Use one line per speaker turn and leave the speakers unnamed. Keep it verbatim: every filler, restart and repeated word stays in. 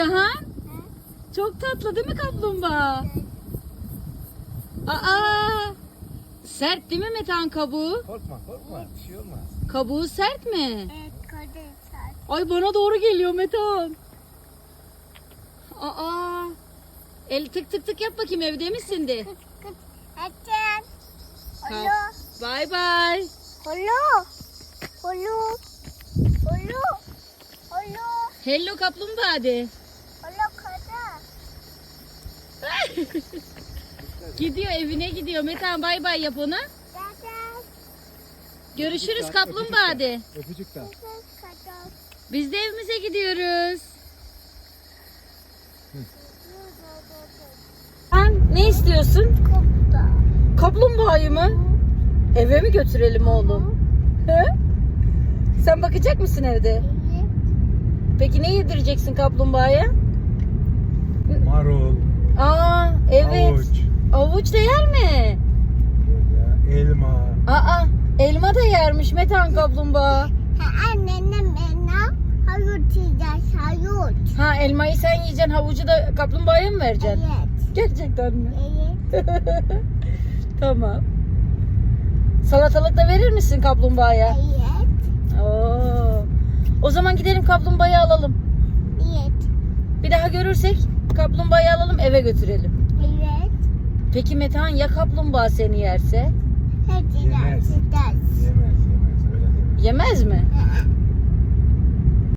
Aha. Çok tatlı değil mi kaplumbağa? Aa! Sert değil mi Metehan kabuğu?
Korkma korkma. Bir şey olmaz.
Kabuğu sert mi?
Evet, kadın saat.
Ay bana doğru geliyor Metehan. Aa! El tık tık tık yap bakayım, evde misin de?
Kıt kıt. Açın. Holo.
Bye bye.
Holo. Holo. Holo. Holo.
Hello kaplumbağa de.
Holo kadın.
Gidiyor, evine gidiyor. Metehan bay bay yap ona.
Kadın.
Görüşürüz kaplumbağa de.
Öpücük de.
Kadın kadın.
Biz de evimize gidiyoruz. Sen ne istiyorsun?
Kopta.
Kaplumbağayı mı? Eve mi götürelim oğlum? He? Sen bakacak mısın evde?
Evet.
Peki ne yedireceksin kaplumbağaya?
Marul.
Aa evet.
Havuç.
Avuç da yer mi?
Böyle elma.
Aa elma da yermiş Metehan kaplumbağa.
Ha, anneannem bana havuç yiyeceğiz, havuç.
Ha elmayı sen yiyeceksin, havucu da kaplumbağaya mı vereceksin?
Evet.
Gerçekten mi?
Evet.
Tamam. Salatalık da verir misin kaplumbağaya?
Evet.
Oo. O zaman gidelim kaplumbağayı alalım.
Evet.
Bir daha görürsek kaplumbağayı alalım, eve götürelim.
Evet.
Peki Metehan ya kaplumbağa seni yerse?
Hadi
Yemez.
ders, ders.
Yemez yemez. Öyle deme.
Yemez mi?
Hı hı.